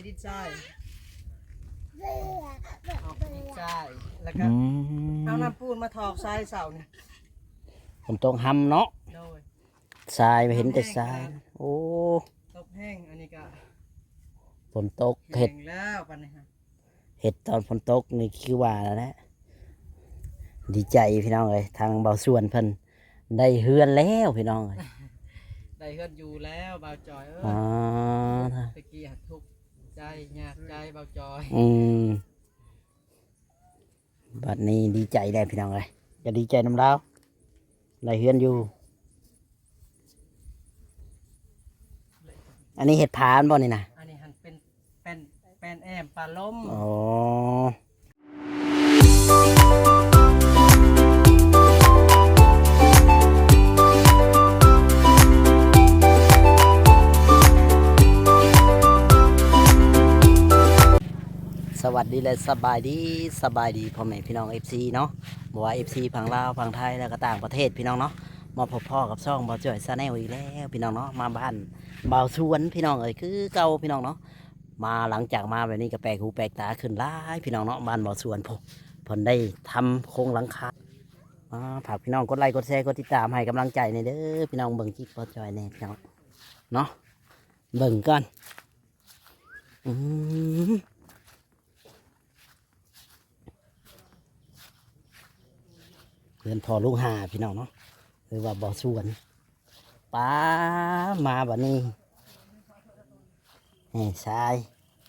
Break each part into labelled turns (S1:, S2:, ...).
S1: ดินทรายออกดินทรายแล้วก็เอาน้ำปูนมาถอกทรายเสานี่
S2: ผมต้องทำเนาะ
S1: โดย
S2: ทรายไม่เห็นแต่ทรายโอ้
S1: ตกแห้งอันนี้ก็
S2: ฝนตกเห็ด
S1: แล้วปันนี้ครับ
S2: เห็ดตอนฝนตกนี่คือว่าแล้วนะดีใจพี่น้องเลยทางเบาส่วนเพิ่นได้เฮือนแล้วพี่น้องเลย
S1: ได้เฮือนอยู่แล้วเบาจอยตะกี้ทุกใจยากใจเบาจอย
S2: บัดนี้ดีใจได้พี่น้องเลยจะดีใจน้ำเล้าได้เฮือนอยู่อันนี้เห็ดผานบ่นี่นะ
S1: อันนี้หันเป็นแอมปลาล้ม
S2: อ๋อสวัสดีและสบายดีพ่อแม่พี่น้อง FC เนาะบอกว่า FC ฝั่งลาวฝั่งไทยแล้วก็ต่างประเทศพี่น้องเนาะมาพบพ่อกับช่องบ่าวจ้อยชาแนลอีกแล้วพี่น้องเนาะมาบ้านบ่าวสวนพี่น้องเอ้ยคือเก่าพี่น้องเนาะมาหลังจากมาแบบนี้ก็แปลกหูแปลกตาขึ้นหลายพี่น้องเนาะบ้านบ่าวสวนผมได้ทำโครงหลังคาฝากพี่น้องกดไลค์กดแชร์กดติดตามให้กำลังใจในเด้อพี่น้องเบิ่งคลิปบ่าวจ้อยแน่พี่น้องเนาะเบิ่งกันเพื่อนพอลูกหาพี่น้องเนาะหรือว่าบ่อสวนป้ามาแบบนี้นี่ทราย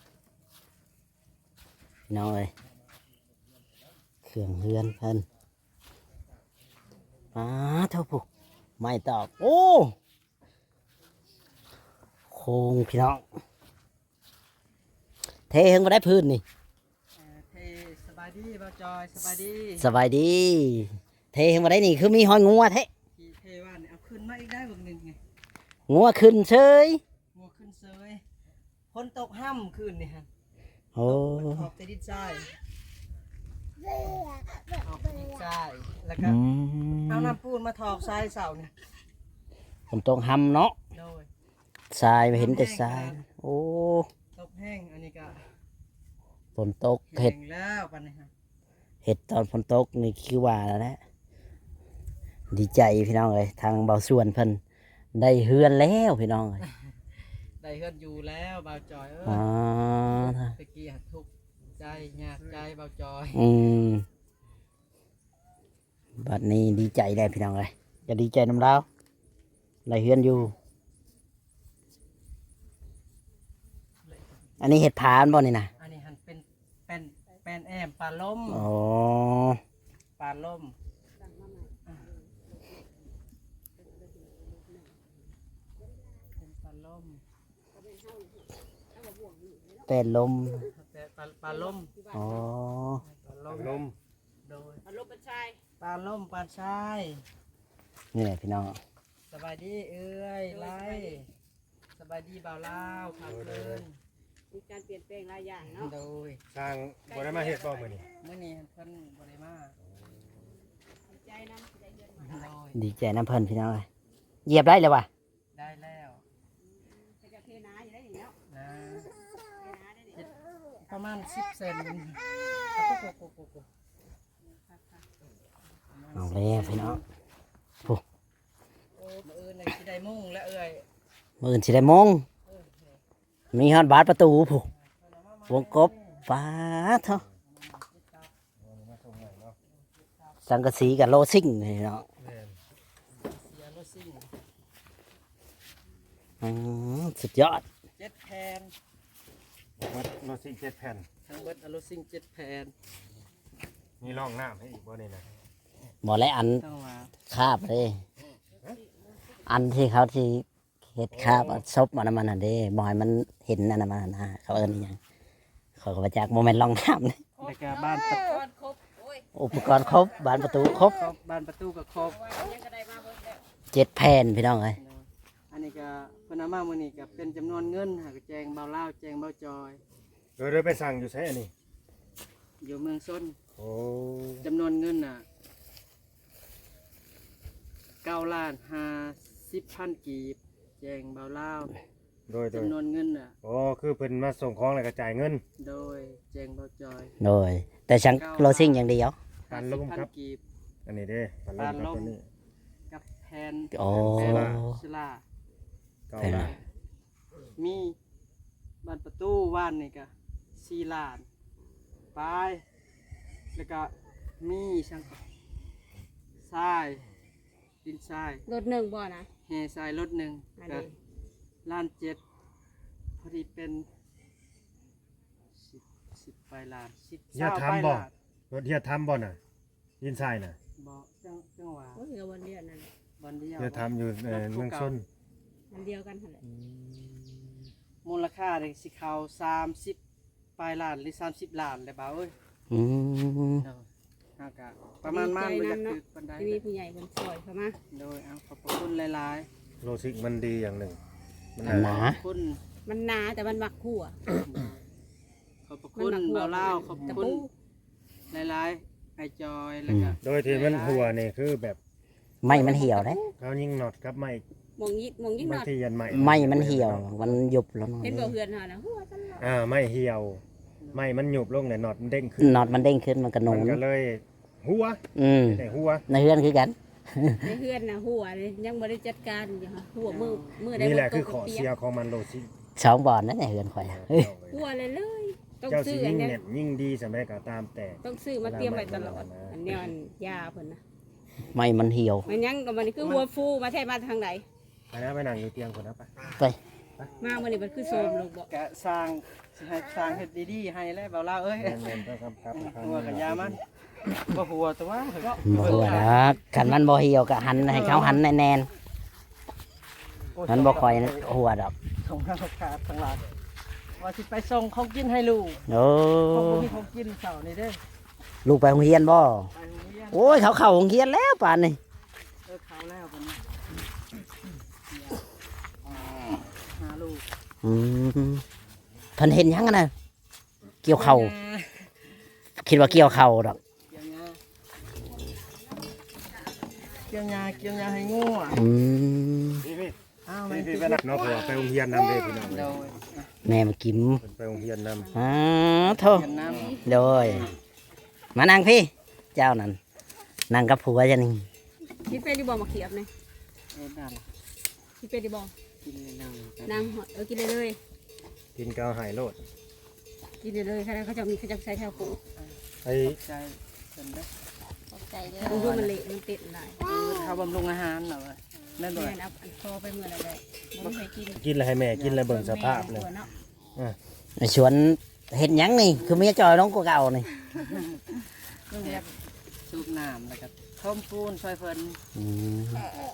S2: พี่น้องเลยเครื่องเฮือนเพิ่นเท่าปุ๊ไม่ตอบโอ้โค้งพี่น้องเทเฮงมาได้พื้นนี่
S1: เทสบายดีบ่าวจอยสบายดี
S2: เทเฮงมาได้นี่คือมีหอยงัวเท
S1: ว่าเนี่ยเอาขึ้นมาอีกได้บึงหนึ่งไง
S2: งัวขึ้นเฉย
S1: งัวขึ้นเฉยคนตกห้ำขึ้นนี่ฮะ
S2: โอ้
S1: ออกดินทรายออกดินทรายแล้วก็เอาน้ำปูนมาถอกทรายเสานี่
S2: ผมต้องทำเนาะ
S1: โดย
S2: ทรายไม่เห็นแต่ทรายโอ้
S1: ตกแห้งอันนี้ก็
S2: ฝนตกเห็ด
S1: แล้วปันนี้ครับ
S2: เห็ดตอนฝนตกนี่คือว่าแล้วนะดีใจพี่น้องเลยทางเบาส่วนเพิ่นได้เฮือนแล้วพี่น้องเลย
S1: ได้เฮือนอยู่แล้วเบาจอยตะกี้ทุกใจยากใจเบาจอย
S2: บัดนี้ดีใจได้พี่น้องเลยจะดีใจน้ำเล้าได้เฮือนอยู่อันนี้เห็ดผานบ่นี่นะ
S1: อันนี้หันเป็นแอมปลาล้ม
S2: อ๋อ
S1: ปลาล้ม
S2: เป็นลม
S1: ปลาล้ม
S2: อ๋อ
S1: ปลาล้มโดยปลาล้มปลาชายปลาล้มปลาชาย
S2: นี่แหละพี่น้อง
S1: สบายดีเอ้ยไล่สบายดีบ่าวลาวพาเพลิน
S3: มีการเปลี่ยนแปลงหลายอย่างเนาะ
S1: โดย
S4: ทางบริมาเฮ็ดบ่มื้อนี้
S1: เพิ่นบ่ได้มา
S2: ดีใจน้ำเพิ่นพี่น้องเลยเหยียบได้เลยวะ
S1: ได้แล้ว
S3: จะเทน้าอยู่ได้อย่างเงี้ย
S1: นะประมาณ10 เซน
S2: เอาเลยพี่น้อง
S1: มื้ออื่นน่ะสิได้มุ่งแล้วเอ้ย
S2: มื้ออื่นสิได้มงมีฮอดบาดประตูผู้วงกบฟ้าเท่าสังกะสีกับโลซิ่งพี่น้องสุดยอด
S1: 7 แผ่น
S4: โลซิ่ง7 แผ่น
S1: ทั้งเบิดโลซิ่ง7 แผ่น
S4: มีร่องน้ำให้อีกบ่นี่นะ
S2: บ่และอันคาบเลยอันที่เขาที่เห็ดคาบซบมันน่ะเด้บ่ให้มันเห็นนั่นน่ะมันนะเขาเอิ้นอีหยังเขาก็มาจากโมเมนต์ร่องน้ำนี่
S1: แล้วก็บ้าน
S2: อุปกรณ์ครบบ้านประตูครบ
S1: บ้านประตูก็ครบ
S2: 7 แผ่นพี่น้องเอ้ย
S1: อันนี้ก็เพิ่นเอามามื้อนี้ก็เป็นจำนวนเงินหากแจงเบาลาวแจงเบาจอย
S4: เดี๋ยวไปสั่งอยู่ไสอันนี้
S1: อยู่เมืองชน
S4: โอ้
S1: จำนวนเงินน่ะ9,50,000 กีบแจงเบาลาว
S4: โดย
S1: จำนวนเงินน่ะ
S4: โอ้คือเพิ่นมาส่งของแล้วก็จ่ายเงิน
S1: โดยแจ้งเบาจอย
S2: โดยแต่ฉันโลซิ่งอย่างเดียว
S4: ปานลมครับ
S1: 50,000กีบ
S4: อันนี้เด้ปานลมครับตัวนี้
S1: กับแผ่น
S2: โอ้
S1: ศิลา
S4: เก้า
S2: แผ่น
S4: ล้าน
S1: มีบานประตูว่านนี่ก็4 ล้านไปแล้วก็มีช่างทรายดินทราย
S3: รถหนึ่งบ่นะ
S1: แห่ทรายรถหนึ่ง
S3: อัน
S1: ก็
S3: นี้
S1: ล้าน7พอดีเป็น10ไปล้าน10
S4: อย่า
S1: 20
S4: ทำ
S1: ไป
S4: บ่
S1: ล้าน
S4: รถเฮียทำบ่น่ะยินทรายน่ะ
S1: บ่จังหวะ
S3: โอ้ยกับวันเดียวนั่นแหละ
S1: บอนเดียว
S4: เฮียทำอยู่เมืองชน
S3: วันเดียวกันเท่าไหร่
S1: มูลค่าเด็กสิเขา30ปลายล้านหรือ30 ล้านเลยบ่าวเอ้ย
S2: อืม
S1: เนาะฮากะประมาณมันบ่อยากตึกปานใด
S3: ที่มีผู้ใหญ่คนซอยเข้ามา
S1: โดยเอาขอบพระคุณหลาย
S4: โลซิกมันดีอย่างหนึ่งมัน
S2: อันหนา
S1: ๆขอบคุณ
S3: มันหนาแต่มันมักขั่ว
S1: ขอบพระคุณเบาเล่าขอบ
S3: ตะ
S1: คุณ
S3: ปู
S1: หลายๆไอจอยแล้วก็
S4: โดยที่มันหัวนี่คือแบบ
S2: ไม่มันเหี่ยวเลย
S4: เขายิงน็อตกับไม้
S3: มองยิ่ง
S4: บาง
S3: นอด
S4: ทียันไม้
S2: ไม่มันเหี่ยวมันหยุบแล้วเนาะ
S3: เห็นบ่เฮือนหานะหัวตลอด
S4: ไม้เหี่ยวไม้มันหยุบลงเนี่ยน็อตมันเด้งขึ้น
S2: น็อตมันเด้งขึ้นมันกระหนุ
S4: มัน
S2: น
S4: ก็เลยหัว
S2: อืม
S4: แต่หัว
S2: ในเฮือนคือกัน
S3: ในเฮือนน่ะหัวเลยยังบ่ได้จัดการอยู่ค่ะหัวมือได้
S4: นี่แหละ
S3: บ่
S4: คือ
S3: ต
S4: ข
S3: ก
S4: อ
S3: ปี
S4: เสียของมันโลซิก
S2: สองบอลนั่นแหละเฮือนข่อย
S3: หัวเลยต้อง
S4: เจ้า
S3: ซื้
S4: สิ
S3: ออั
S4: ยิ่
S3: น
S4: ง
S3: เนี้ย
S4: เน็ตยิ่งดีสมัยก็ตามแต่
S3: ต้องซื้อมาเตรียมไว้ตลอดอันเนี้ยอันยาเพิ่นน่ะ
S2: ไม่มันเหี่ยว
S3: มันยังกับมันคือหัวฟูมาแท้มาทางไหน
S4: ไปนะไปนั่งอยู่เตียงคนนะไป
S2: ไป
S3: มามื้อนี้มันคือโซมลงบ่
S1: กะสร้างสิให้สร้างเฮ็ดดีๆให้แล้วเบาเล่าเอ้ย
S4: แม่นๆต้องครับ
S1: หัวกับยามันบ่หัวแต่ว่าเฮ้ย
S2: บ่หัวนะขันมันบ่เหี่ยวก็หันให้เขาหันแน่นๆมันบ่ค่อยหัวดอก
S1: ส่งทางขาดทางหลังว่าสิไปส่งของกินให้ลูก
S2: โอ้
S1: เขาบ่มีของกินเช้านี่เด้อ
S2: ลูกไปโรงเรียนบ่
S1: ไปโรงเรียน
S2: โอ้ยเขาเข้าโรงเรียนแล้วป่านนี้
S1: เขาแล้วบัดนี้หาลูก
S2: อืมเพิ่นเห็นหยังกันน่ะเกี่ยวเข่าคิดว่าเกี่ยวเข่าดอก
S1: เกี่ยวยาเกี่ยวยาให้งูอ่ะ
S2: อืม
S4: พี่
S1: อ้าว
S4: ๆ
S1: ไม่
S4: พี่
S1: ติด
S4: ๆไปนั่งเนาะเพราะว่าไปโรงเรียนนำเด้พี่น้อง
S1: โดย
S2: แม่มากิม
S4: เพิ่นไปโรงเรียนนำ
S2: อ้าโท
S1: เกี่ยนน้ำ
S2: โดยมานั่งพี่ เจ้านั่นนั่งกับผัวจะนี่
S3: คิดไปดิบ่มาเขียบนี่
S1: เอ็ดดัน
S3: คิดไปดิบ่
S1: กินเลยนั่ง
S3: นางกินเลย
S4: กินกาวหายโลด
S3: กินเลยเขาจะมีเขาจะใส่แถวปู
S4: ไอ้
S1: ใจเพิ่นเด้อ
S3: ใจเด้อดูมันเละมันติดหลาย
S1: เขาบำรุงอาหารเหรอวะนั่นบ่
S3: แม่นเอาอันคอไปเมื่อไรเลยบ่เคยกิน
S4: กินแล้วให้แม่กินแล้วเบิ่งสภาพเลย
S2: ชวนเห็นหยังนี่ คือเมียจอยน้องกูเก่านี่
S1: แบบสูบน้ำแล้วก็ท่อมปูนช่วยเพิ่น
S2: อืม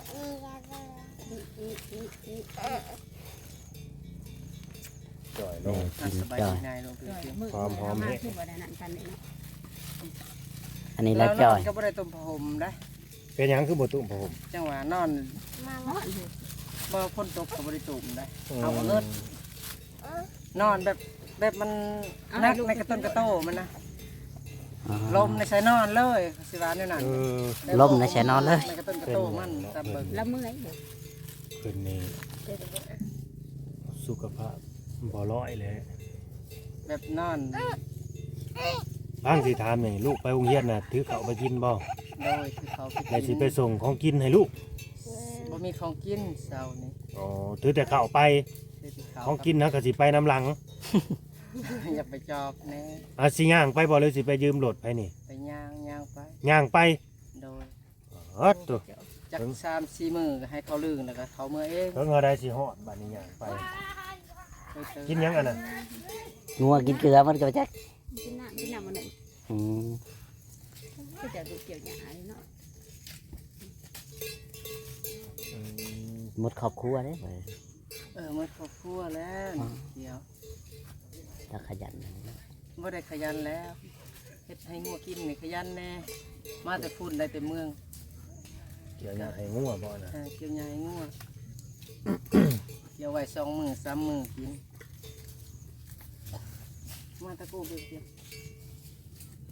S4: จ่อยลง
S1: สบายดีนายลงพื้นที่
S3: มากขึ้นกว่านั้นกันนี่
S2: อันนี้แล้วจอย
S1: ก็บ่ได้ต้มผ้าห่มได้
S4: เป็นหยังคือบ่ตุ้มผม
S1: จังหวะนอน
S3: มาเนาะ
S1: บ่พ้นตกก็บ่ได้ตุ่มได้เอาเลิศนอนแบบมันนักในกระต้นกระโตมันนะลมในใส่นอนเลยสิว่าแนวนั้น
S2: ล่มในแชนอนเลย
S1: ในกระต้นกระโตมันตามเบิ่ง
S3: ละเมื่อย
S4: คืนนี้สุขภาพบ่ร้อยเลย
S1: แบบนอน
S4: บ้างสิถามนี่ลูกไปโรงเรียนน่ะถือข้าวไปกินบ่
S1: โดยคือเขา
S4: แล้วสิไปส่งของกินให้ลูก
S1: บ่มีของกินเช้านี้
S4: อ๋อถือแต่ข้าวไป
S1: คือที่เขา
S4: ของกินนะก็สิไปน้ำหลัง
S1: อยากไปจอบแน่
S4: สิย่างไปบ่เลยสิไปยืมรถไปนี่
S1: ไปย่างไป
S4: ย่างไป
S1: โดย
S4: อ๋อตัว
S1: จัก3-4มื้อก็ให้เขาลืงแล้วก็เขาเมื่อเอง
S4: เพิ่งเอาได้สิฮอดบัดนี้ย่างไป กินหยังอันน่ะ
S2: งัวกินเกลือมันก็บ่จัก
S3: กินน้ำมันหนึ่ง
S2: อืม
S3: ก็จะดูเกี่ยวหยาเนาะ
S2: หมดครอบครัวเด้
S1: มันครอบครัวแล้วเดี๋ยว
S2: ถ้าขยัน
S1: บ่ได้ขยันแล้วเฮ็ดให้งัวกินนี่ขยันแน่มาแต่ฝุ่นได้แต่เมือง
S4: เกี่ยวหยังให้งัวบ่น่ะ
S1: เกี่ยวใหญ่งัวเกี่ยวไว้2 มื้อ3 มื้อกินมาตะโกเบียด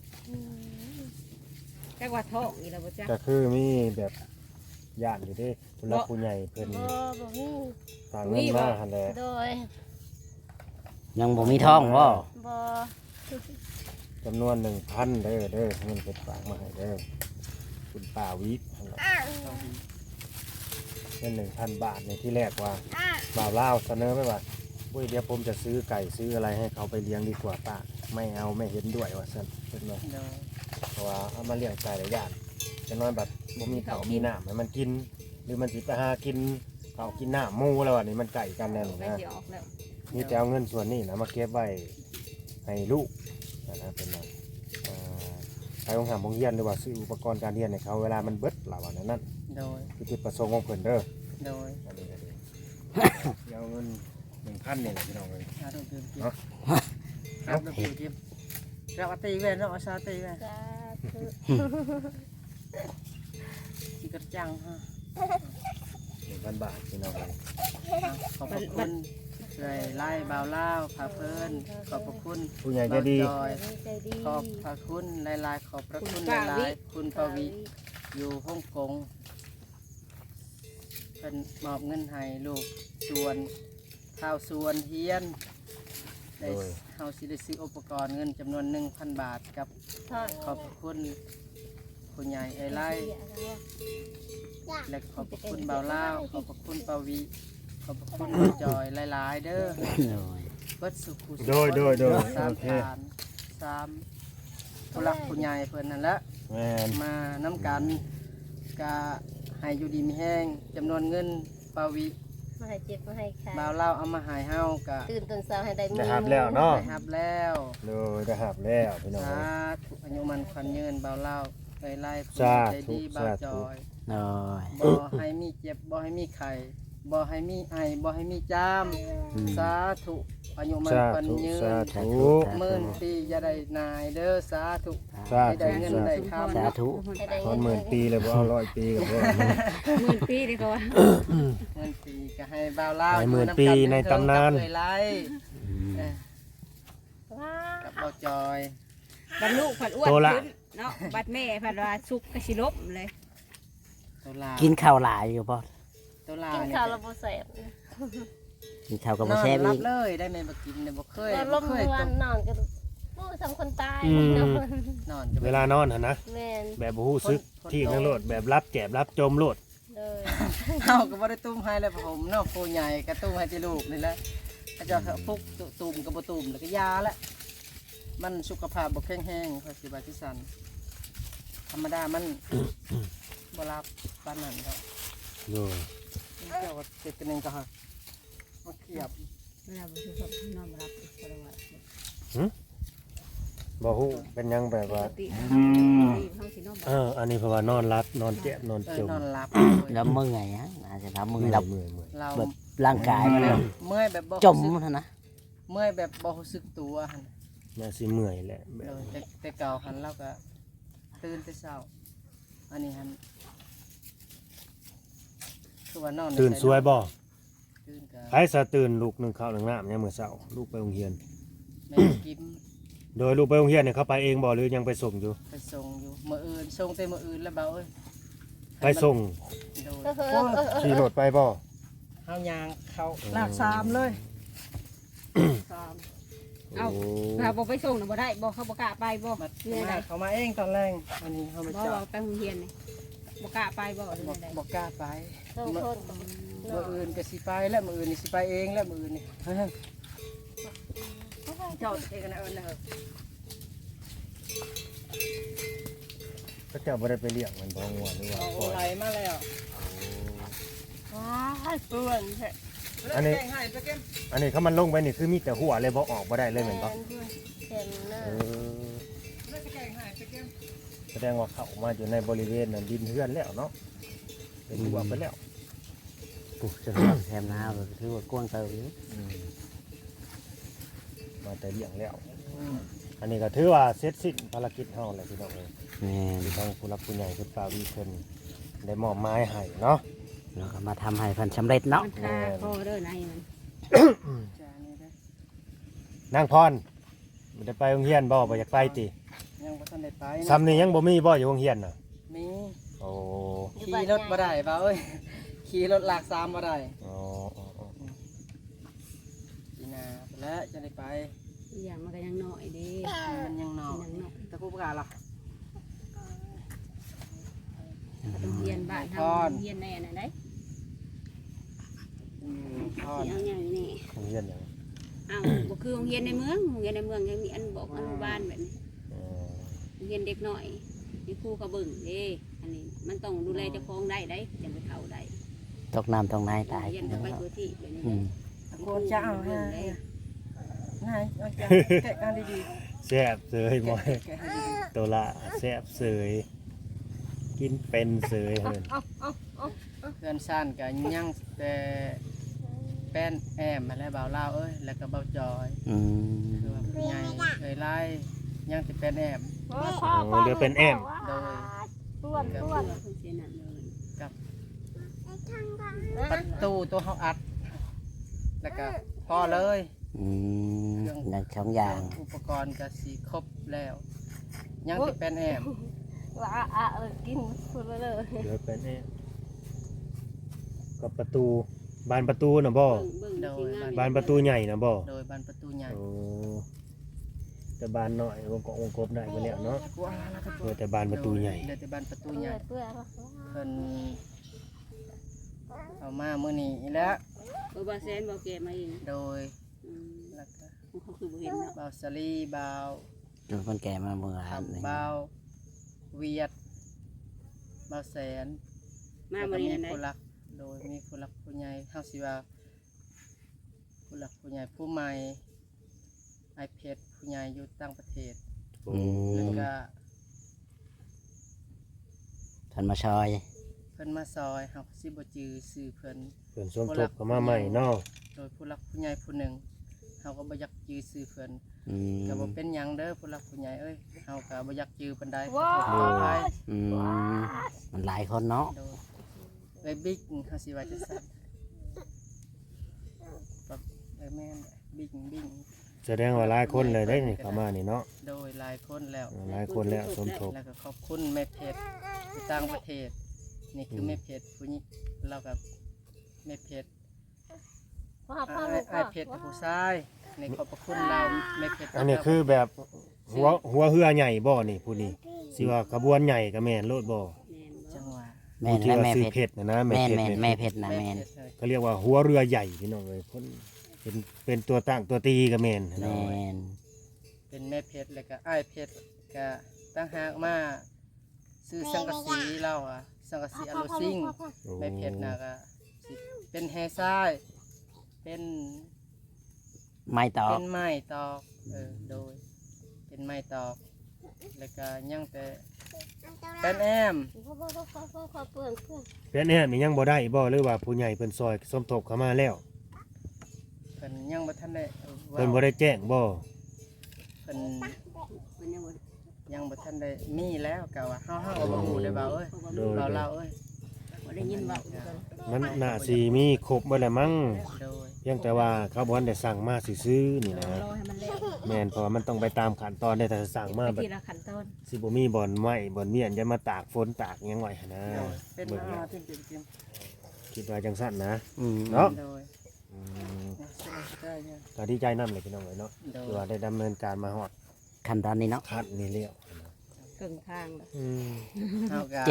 S3: จักว่าท้องอีแล้วบ่จ๊ะ
S4: ก็คือมีแบบย่านอยู่เด้ผู้หลักผู้ใหญ่เพิ่น
S5: บ่มี
S4: ฝากเงินมาหั่นแหละ
S5: โดย
S2: ยังบ่มีท้องบ่
S5: บ่
S4: จำนวน 1,000เด้อเงินเพิ่นฝากมาให้เด้อคุณป้าวิหั่นแหละเงิน 1,000 บาทในที่แรกว่าบ่าวลาวเสนอไว้ว่าอุ้ยเดี๋ยวผมจะซื้อไก่ซื้ออะไรให้เขาไปเลี้ยงดีกว่าป้าไม่เอาไม่เห็นด้วยว่าซั่นเพิ่นว่า
S1: โดย
S4: เพราะว่าเอามาเลี้ยงไก่หลายอย่างจะนอนแบบบ่มีข้าวมีน้ำให้มันกิน หรือมันสิไปหากินข้าวกินน้ำหมูแล้วอันนี้มันไก่กันแน่น
S3: ไป
S4: นะ
S3: สิออกแล้ว
S4: นี่จะเอาเงินส่วนนี้นะมาเก็บไว้ให้ลูกนะเป็นว่าไปโรงหโรงเรียนหรือว่าซื้ออุปกรณ์การเรียนให้เขาเวลามันเบิดหล่าวันนั้น
S1: โดย
S4: คือจุดประสงค์ของเพิ่นเด้อ
S1: โดย
S4: อันนี้ก็ดีเอาเงิน 1,000นี่แหละพี่น้องเอ้ย
S1: อาดูกิน
S4: เนาะ
S1: ครับดูกินเราตีแว่นเราเอาซาตีแว่น
S5: สาธุ
S1: ที่กระจังฮะ
S4: 1,000 บาทพี่น้องเอ้ย
S1: ขอบพระคุณเลยไล่บ่าวเล่าพาเพิ่นขอบพระคุณ
S4: ผู้ใหญ่ใจดี
S1: จอย
S5: ใจดี
S1: ขอบพระคุณหลายๆขอบพระคุณหลายๆคุณปวีอยู่ฮ่องกงเป็นมอบเงินให้ลูกสวนข้าวสวนเฮียนได้เฮาสิได้ซื้ออุปกรณ์เงินจำนวน 1,000 บาทกับ
S5: ทอด
S1: ขอบพระคุณคุณใหญ่ไอไล่และขอบพระคุณบ่าวเล่าขอบพระคุณปวีขอบพระคุณจอยหลายๆเด้อ
S2: โดย
S1: เบิดสุขุสุข
S4: โดย
S1: สาม
S4: โอเค
S1: ฐานสามผู้หลักผู้ใหญ่เพิ่นนั่นแหละ
S4: แม่น
S1: มาน้ำกันกะให้อยู่ดีมีแห้งจำนวนเงินปาวิ
S5: มาให้เจ็บมาให้ขา
S1: บ่าวเล่าเอามาใหายเฮากะ
S5: ตื่นตอนเช้าให้ได้มี
S4: ได้หับแล้วเนาะ
S1: ได้รับแล้ว
S4: เลยได้หับแล้วพี่น้อง
S1: สา
S4: เอ้ย
S1: ธุอายุมันขวัญยืนบ่าวเล่าไล่ไล่ผู้
S4: สาธุ
S1: ใจดีบ่าว
S4: สาธุ
S1: จอย
S2: โดย
S1: บ่ให้มีเจ็บบ่ให้มีไข้บ่ให้มีไอบ่ให้มีจาม
S2: อืม
S1: สาธุอายุมัน
S4: สา
S1: ขวัญ
S4: ธุ
S1: ยื
S4: สาน ธุ
S1: หมื่นปีอย่าได้นายเด้อสาธุ
S4: สา
S1: ให้
S4: ธุ
S1: ได้เงินได้คำ
S2: สาธุ
S5: ให้ได้
S4: ตอ
S5: เงิ
S4: น
S5: น
S4: 10,000 ปีเลยบ่เอา100 ปีกับบ่
S3: หมื่นปีดีกว่า
S1: เงินปีก็ให้บ่าวเล่า
S4: ให้หมื่นปีในตำนาน
S1: เคยไล่
S2: อืม
S5: ว้า
S1: กับบ่าวจอย
S3: บัดลูกผัดอ้วน
S4: โตละ
S3: ขึ้นเนาะบัดแม่ผัดว่าสุกกระสิลบเลย
S1: ตัวลา
S2: กินข้าวหลายอยู่บ่
S1: ตัวลา
S5: กิน
S1: เนี่ย
S5: ข้าวแล้วบ่แซ่บ
S2: กินข้าวกับ
S1: น
S2: บ่
S1: อน
S2: แซ่บ
S1: รั
S2: อี
S1: บ
S2: ก
S1: เลยได้ไหมบ่กินเนี่ยบ่เคย
S5: นอนล
S1: บ่
S5: ม
S1: เคย
S5: เมื่อ
S1: ต้
S5: วา
S1: อน ง
S5: นอนกันโอ้ทำคนตาย
S4: อืม
S5: นอน
S1: นอนจะ
S4: เวลานอนหั่นนะ
S5: แม่น
S4: แบบบ่ฮู้ซึกที่ทั้งโลดแบบรับแจบรับจมโลด
S5: เลย
S1: เฮาก็บ่ได้ตุ้มให้แล้วผมเนาะผู้ใหญ่ก็ตุ้มให้ที่ลูกนี่แหละอาจารย์เขาพุกตุ่มก็บ่ตุ่มแล้วก็ยาละมันสุขภาพบ่แข็งแรงเขาสิว่าที่สั่นธรรมดามัน บ่รับปานนั้นดอก
S4: โดย
S1: เจ้าก็เจ็ดกันเองก็ฮะมาเขียบ
S3: เวลาบ่สุกนอนบ่รับก็เลยว่า
S4: บ่ฮู้เป็นหยังแบบว่า
S3: ปกติเฮาสินอนบ่
S4: อันนี้เพราะว่านอนรับนอนแจบนอนจม
S1: นอนหลับ
S2: แล้วเมื่อยฮะอาจจะทำมือ
S4: เมื่
S2: เรา
S4: อยเมื่อยเมื่อย
S1: เรา
S2: แบบร่างกายมันแบบ
S1: เมื่อยแบบบ่
S2: จม
S1: รู้สึก
S2: เท่านะ
S1: เมื่อยแบบบ่รู้สึกตัวหั่น
S4: น่าสิเมื่อยแหละแบ
S1: เอบ อแต่เก่าหันเราก็ตื่นแต่เช้าอันนี้หันคือว่านอน
S4: ตื่นสวยบ่
S1: ตื่นกับ
S4: ไผสะตื่นลูก1ข้าว1น้ำยามมื้อเช้าลูกไปโรงเรียน
S1: แม่กิน
S4: โดยลูกไปโรงเรียนเนี่ยเขาไปเองบ่หรือยังไปส่งอยู่
S1: ไปส่งอยู่มื้ออื่นส่งแต่มื้ออื่นแล้วเบาเอ้ย
S4: ไปส่ง
S1: โดย
S4: ขี่รถไปบ่
S1: เฮายางเข้าลากสามเลยสาม
S3: เอ้าถ้าบ่ไปส่งน่ะบ่ได้บ่เขาบ่กล้าไปบ่
S1: บัด
S3: เรื่อย
S1: มา
S3: ใด
S1: เขามาเองตอนแรกอันนี้เขามา
S3: บ่
S1: จับ
S3: ว่าไปโรงเรียนนี่บ่กล้าไปบ่เรื่
S1: บ
S3: อยใด
S1: บอกกล้าไป
S5: ต้องทน
S1: มื้ออื่นก็สิไปแล้วมื้ออื่นนี่สิไปเองแล้วมื้ออื่นนี่เฮ้ยเจ้าเองกันนะเอิ้นนะเฮ้ย
S4: เขาเจ้าบ่ได้ไปเลี้ยงมันบ่งัวหรือว่า
S1: เอา
S4: ปล่อย
S1: ไหลมาแล้วว้ายเปื้อนแท้
S4: อันนี้
S1: แกงให้ไปเก็บ
S4: อันนี้เขามันลงไปนี่คือมีแต่หัวเลยบ่ออกบ่ได้เลยแม่นบ่
S5: แข็งหน้า
S4: เออ
S1: แล้วจะแกงให้ไปเก็บ
S4: แสดงว่าเข้ามาอยู่ในบริเวณนั้นดินเฮือนแล้วเนาะเป็นหัวไปแล้ว
S2: ปุ๊บจะทำแทมนาแบบถือว่ากว้างเติบอยู่
S4: อืมมาแต่เลี้ยงแล้ว อันนี้ก็ถือว่าเสร็จสิ้นภารกิจเฮาแล้วพี่น้องเอ้ย
S2: แม่น
S4: ที่ทางผู้รับผู้ใหญ่คุณป้าวีเพิ่นได้มอบไม้ให้เนาะ
S2: แล้วก็มาทำให้เพันสำเร็จเนาะ
S3: มันคาคอเด้อในมัน
S1: จานนี้นะ
S4: นางพรบ่ได้ไปโรงเรียนบ่อยากไปติ
S1: ยังบ่ทันได้ไปนะ
S4: ซ้ำนี่ยังบ่มีบ่อยู่โรงเรียนน่ะ
S1: มี
S4: โอ้
S1: ขี่รถบ่ได้เปล่าเอ้ยขี่รถลากสามมาได้
S4: อ๋ออ๋ออ๋อ
S1: ปีหนาไปแล้วจะได้ไป
S3: อีหยังมันก็ยังน้อยเด้
S1: มันยังนอก
S3: ยังน้อย
S1: ตะกูประกาศหรอ
S3: โรงเรียนบ้านเฮาโรงเรียนในอันนั้นได้
S1: พ่อ
S3: สิเอาอย่างนี้
S4: โรงเรียนหยัง
S3: อ้าวบ่คือโรงเรียนในเมืองโรงเรียนในเมืองยังมีอันบอกอนุบาลแบบนี้
S4: อ๋อ
S3: โรงเรียนเด็กน้อยมีครูเขาเบิ่งเด้อันนี้มันต้องดูแลเจ้าของได้ได้จังไปเข้าได้
S2: ตกน้ำตกในตาย
S3: เรียนก็ไปตัวที่แบบนี้
S2: อืม
S1: โคนจะเอาให้นายเอาจะแกะกันดี
S4: แซ่บเสย
S1: ๆ
S4: หมอย
S1: แกะให้ดี
S4: ตัวละแซ่บเสยกินเป็นเสยเพิ่น
S1: ๆเพื่อนซ่านกับยังแต่แป้นแอมมาแล้วเบาเล่าเอ้ยแล้วก็เบาจอย
S2: อืม
S1: คือว่าผู้ใหญ่เคยไล่ยังติเป็นแอม
S5: โอ้ย
S4: อ๋อเรือเป็นแอม
S1: โดย
S5: ต้วน
S3: เพื่
S5: ต้วน
S3: อเพิ่นเสียนั่นเลย
S1: ประตูตัวเขาอัด แล้วก็พอเลย
S2: อืมนั่นสองอย่าง
S1: อุปกรณ์ก็สีครบแล้ว ยังติเป็นแอม
S5: ว่ากินพูดไปเลย
S4: เรือเป็นแอมกับประตูบานประตูน่ะบ่
S3: เบิ่งสิงาม
S4: บานประตูใหญ่น่ะบ่
S1: โดยบานประตูใหญ่
S4: โอ้แต่บานน้อยวงกบวงกบได้ไปแล้วเนาะ
S1: กูเอาละครับ
S4: เหลือแต่บานประตูใหญ่
S1: เหลือแต่บานประตู
S5: เปื่
S1: ให
S5: อ
S1: ญ่
S5: ยเปื่อย
S1: เพิ่นเอามามื้อนี้แล้ว
S3: บ่แซนบ่แก่มาเอง
S1: โดย
S3: อืม
S1: แล้วก็
S3: เขาคือบ่เห็นเนาะ
S1: เบาสลีเบา
S2: จนคนแก่มาเมื่อวานนี่
S1: เบาเวียดเบาแสน
S3: มา
S1: แล้ว
S3: บ่
S1: ก็
S3: ได้
S1: มี
S3: อันใด
S1: ผู้หลักโดยมีผู้หลักผู้ใหญ่เฮาสิว่าผู้หลักผู้ใหญ่ผู้ใหม่ไอเพชรผู้ใหญ่อยู่ต่างประเทศ
S4: โอ้
S1: แล้วก็
S2: ท่านมาชอย
S1: เพิ่นมาซอยเฮาก็สิบ่จื้อชื่อเพิ่น
S4: เพิ่นสมทบเข้ามาใหม่เนาะ
S1: โดยผู้หลักผู้ใหญ่ผู้หนึ่งเฮาก็บ่อยากจื้อชื่อเพิ่น
S2: อืม
S1: ก็บ่เป็นหยังเด้อผู้หลักผู้ใหญ่เอ้ยเฮาก็บ่อยากจื้อปานใด
S5: ว้า
S1: ขออภัย
S2: อืมมันหลายคนเนาะ
S1: โดยเอ้ยบิ๊กเฮาสิว่าจังซั่นแบบแม่นบิ๊ก
S4: แสดงว่าหลายคนเลยได้นี่เข้ามานี่เนาะ
S1: โดยหลายคนแล้ว
S4: หลายคนแล้วสมทบ
S1: แล้วก็ขอบคุณแม่เพชรที่ต่างประเทศ นี่คือแม่เพชรผู้นี้เรากับแม่เพชร
S5: พ่อพ่อ
S1: ไอ้เพชรกับผู้ชายในขอบพระคุณเราแม่เพชร
S4: อันนี้คือแบบหัวเรือใหญ่บ่นี่ผู้นี้สิว่าขบวนใหญ่ก็แม่นโลดบ่
S3: แม่นบ่
S1: จังหวะ
S2: แม่น
S4: ผู้ที่
S2: และ
S4: ว่า
S2: แม่
S4: ซื้อ
S2: เพชร
S4: เพชรนะแม่
S2: แม่น
S4: เพชร
S2: แม่เพชรนะ
S1: แม่
S2: แม่น
S1: เพชร
S4: ก็เรียกว่าหัวเรือใหญ่พี่น้องเอ้ยคนเป็นตัวตั้งตัวตีก็แม่น
S2: แม่น
S1: เป็นแม่เพชรแล้วก็ไอ้เพชรก็ตั้งหากมาซื้อสังกะสีเราอ่ะสังกะสีอโลซิง
S4: โอ้
S1: แม่เพชรนะก็สิเป็นแฮซ้ายเป็น
S2: ไม่ตอ
S1: เป็
S2: ก
S1: นไม้ตอกโดยเป็นไม้ตอกแล้วก็ยังแต่เป็นแอม
S5: พ่อเปื่อน
S4: เป็นแน่นี่ยังบ่ได้บ่หรือว่าผู้ใหญ่เพิ่นซอยสมทบเข้ามาแล้ว
S1: เพิ่นยังบ่ทันได้
S4: เพิ่นบ่ได้แจ้งบ่
S1: เพิ่น
S3: เพิ่นยังบ่
S1: ยังบ่ทันได้มีแล้วกะว่าเฮาก็บ่ฮู้ได้บ่าวเอ้ย
S4: โดย
S1: บ่าวเราเอ้ย
S3: บ่ได้ยินเว้า
S4: มันน่าสิมีครบเบิดแหละมั้ง
S1: โดย
S4: เพียงแต่ว่าเขาบ่ทันได้สั่งมาซื่อๆนี่นะ
S3: รอให้มันแล้ว
S4: แม่นเพราะว่ามันต้องไปตามขั้นตอนได้แต่สั่งมา
S3: ไป
S4: แบบ
S3: ทีละขั้นตอน
S4: สิบ่มีบ่อนไม้บ่อนเมียนจะมาตากฝนตากหยังไว้หั่นนะ
S1: โดยเป็น
S4: เบิ่ง
S1: มา
S4: แล้ว
S1: จริง
S4: คิดว่าจังซั่นนะ
S2: อืม
S4: เนาะ
S1: ๆโดย
S4: อืม
S1: ได้เนี่ย
S4: ก็ดีใจนำเลยพี่น้องเอ้ยเนาะ
S1: โด
S4: ที่ว่าย ได้ดำเนินการมาฮอด
S2: ขั้นตอนนี้เนาะ
S4: คัดนี่แล้ว
S3: ครึ่งทางแล้ว
S4: อืม
S1: เฮาก็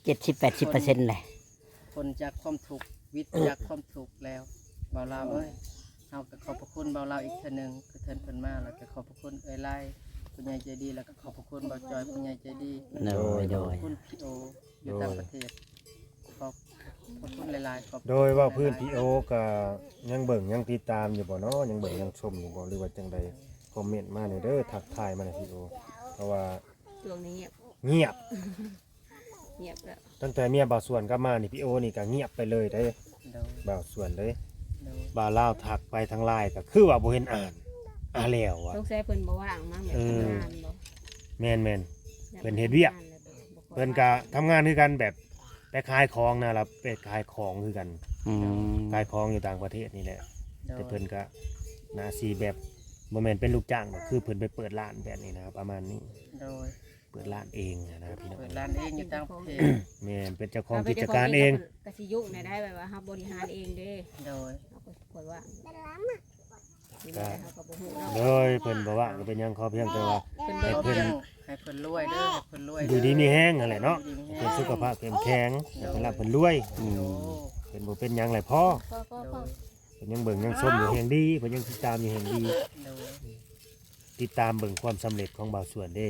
S2: 70-80%เลย
S1: คนจากความทุกข์วิทย์จากความทุกข์แล้วบ่าวเราเอ้ยเฮาก็ขอบพระคุณบ่าวเราอีกเทื่อนึงคือเพิ่นมาแล้วก็ขอบพระคุณเอ้ยไล่ผู้ใหญ่ใจดีแล้วก็ขอบพระคุณบ่าวจอยผู้ใหญ่ใจดี
S2: โดยโด
S1: ขอย บคุณพี่โออยู่ต่างประเทศขอบคุณหลายๆขอบคุณ
S4: โดยว่าพื้นพี่โอก็ยังเบิ่งยังติดตามอยู่บ่เนาะยังเบิ่งยังชมอยู่บ่หรือว่าจังใดคอมเมนต์มาหน่อยเด้อทักทายมาหน่อยพี่โอเพราะว่า
S3: ช่วงนี้
S4: เงียบ
S3: เงียบแล้ว
S4: ตั้งแต่เมียบ่าวส่วนกลับมานี่พี่โอนี่ก็เงียบไปเลยเด้อ
S1: โดย
S4: บ่าวส่วนเลย
S1: โดย
S4: บ่าวลาวทักไปทางไลน์ก็คือว่าบ่เห็นอ่านแล้วอ่ะ
S3: สงสัยเพิ่นบ่ว่างมั้งแบบทำงานบ่
S4: แม่น เพิ่นเฮ็ดเวียก เพิ่นก็ทำงานคือกันแบบไปขายของนะล่ะไปขายของคือกัน
S2: อืม
S4: ขายของอยู่ต่างประเทศนี่แหละ
S1: โด
S4: แต่
S1: ย
S4: เพิ่นก็น่าสิแบบบ่แม่นเป็นลูกจ้างก็คือเพิ่นไปเปิดร้านแบบนี้นะประมาณนี้
S1: โดย
S4: เปิดร้านเองนะพี่น้อง
S1: เปิดร้านเองอยู่ต่างประเทศ
S4: แม่นเป็นเจ้าของกิจการเอง
S3: กสิยุในได้แบบว่าเฮาบริหารเองเด้
S1: โดย
S3: เฮาก็กดว่านี่
S4: ก็
S3: แหละเฮาก็บ่ฮู้เนาะ
S4: โดยเพิ่นบอกว่าก็เป็นหยังขอเพียงแต่ว่า
S3: เพิ่น
S4: ให้
S3: เบิ่ง
S4: เพิ่น
S1: ให้เพิ่นรวยเด้อให้เพิ่นรวย
S4: อยู่ดีมีแห้งนั่นแหละเนาะ
S1: อยู่ดีมี
S4: เพิ่
S1: แฮ
S4: นสุขภาพเข้มแข็งให้เพิ่นรับเพิ่นรวย
S2: อื
S1: โอ้
S2: ม
S4: เพิ่นบ่เป็นหยังแหละพ่อ
S1: โดย
S4: เพิ่นยังเบิ่งยังชมอยู่แห่งดีเพิ่นยังติดตามอยู่แห่งดี
S1: โดย
S4: ติดตามเบิ่งความสำเร็จของบ่าวสวนเด้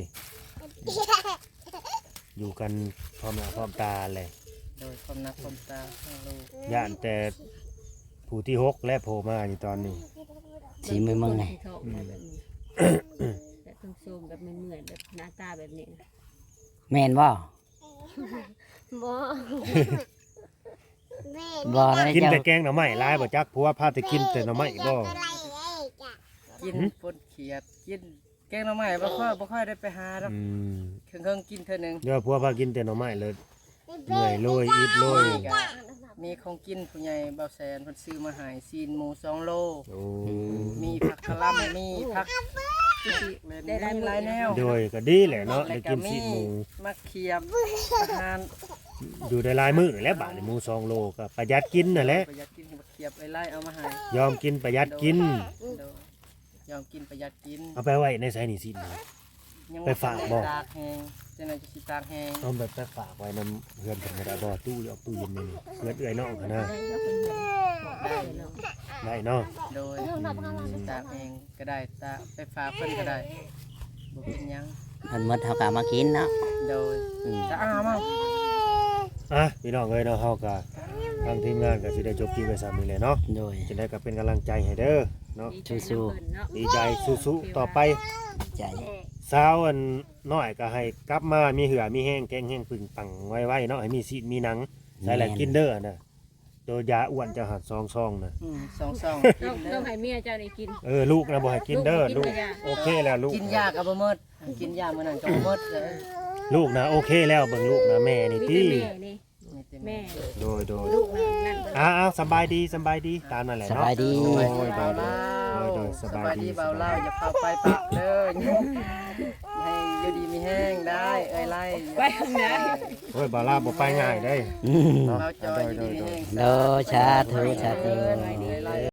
S4: อยู่กันพร้อมหน้าพร้อมตาเลย
S1: โดยความนักความตาของลูก
S4: ย่านแต่ผู้ที่หกและโผล่มาอยู่ตอนนี้
S2: สีมือมึงไง
S3: ที่ท้องแบบนี้แบบซุ่มๆแบบเหมือนๆแบบหน้าตาแบบนี้นะ
S2: แม่นบ่
S5: บ่
S2: บ่ได้
S4: กิน
S2: เจ้า
S4: แต่แกงหน่อไม้หลายบ่จักผัวพาแต่กินแต่หน่อไม้บ่
S1: กินปนเขียดกินแกงหน่อไม้บ่ค่อยได้ไปหาดอก
S4: อืม
S1: เครื่องกินเท่านึง
S4: เดี๋ยวผัวพากินแต่หน่อไม้เลยเหนื่อยโลยอิดโลย
S1: ก็มีของกินผู้ใหญ่เบาแสนเพิ่นซื้อมาให้ซีนหมู2โล
S4: โอ้
S1: มีผักกะหล่ำมีผักได้หลายแนว
S4: โดยก็ดีแหละเนาะได้กินซีดหมู
S1: มะเขียบอาหาร
S4: อยู่ได้หลายมื้อนั่นแหละบาทนี่หมู2โลก็ประหยัดกินนั่นแหละ
S1: ประหยัดกินมะเขียบไล่เอามาให้
S4: ยอมกินประหยัดกิน
S1: โดยยอมกินประหยัดกิน
S4: เอาไปไว้ในไสนี่ซีดหมู
S1: ยัง
S4: ไปฝากบ่
S1: ตากแห้งจังได๋จะสิตากแห้ง
S4: เอาแบบไปฝากไว้นำเฮือนเพิ่นก็ได้บ่ตู้หรือเอาตู้เย็นนี่เฮือนเอื้อยน้องกันนะ
S3: ได้แล้วเพิ่นบอกได้เนาะ
S4: ได้เนาะ
S1: โดยตากแห้งก็ได้ตากไปฝากเพิ่นก็ได้บ่เป็นหยัง
S2: มันหมดเฮาก็เอามากินเนาะ
S1: โดย
S2: อืม
S1: จะอ้ามา
S4: อ่ะพี่น้องเอ้ยเนาะเฮาก็ทางทีมงานก็สิได้จบคลิปไว้ซ้ำนี้แหละเนาะ
S2: โดย
S4: จะได้ก็เป็นกำลังใจให้เด้อเนาะ
S2: สู้
S4: ดีใจสู้ๆต่อไป
S2: ใจ
S4: สาวอันน้อยก็ให้กลับมามีเหือมีแห้งแกงแห้งปึงปังไว้ๆเนาะให้มีซีดมีหนังใส่แหละกินเด้อนะโดยยาอ้วนจะหัดซองๆนะ
S1: สองซอง
S3: ต้องต้องให้เมียเจ้าได้กิน
S4: ลูกนะบ่ให้กินเด้อ
S3: ลู
S4: ลู
S3: ก
S4: ก
S3: บ่กินยา
S4: โอเคแล้วลูก
S1: กินยากับบ่หมดกินยามื้อนั้นก็บ่หมดเลย
S4: ลูกนะโอเคแล้วเบิ่งลูกนะแม่นี่
S3: มี
S4: ติ
S3: แต่แม่นี่
S1: นี่เต็ม
S3: แม่
S4: โดย
S3: ลูกนั่นเบิ่ง
S4: อ้าวสบายดีตามนั่นแหละ
S2: ส
S4: เนาะ
S2: บายดี
S4: โดย
S1: โดย
S4: โด
S1: เบาย เล่า
S4: โดยสบายดี
S1: เบาเล่าอย่าพาไปปะเด้อให้อยู่ดีมีแห้งได้เอ้ยไล่
S3: ไปข้างหน้า
S4: โอ้ยบ่ลาบ่ไปง่ายเด้
S2: อืม
S1: เราจอยอยู่ดีมีแห้ง
S2: โดยสาธุสาธุ
S1: เอ้ยไล่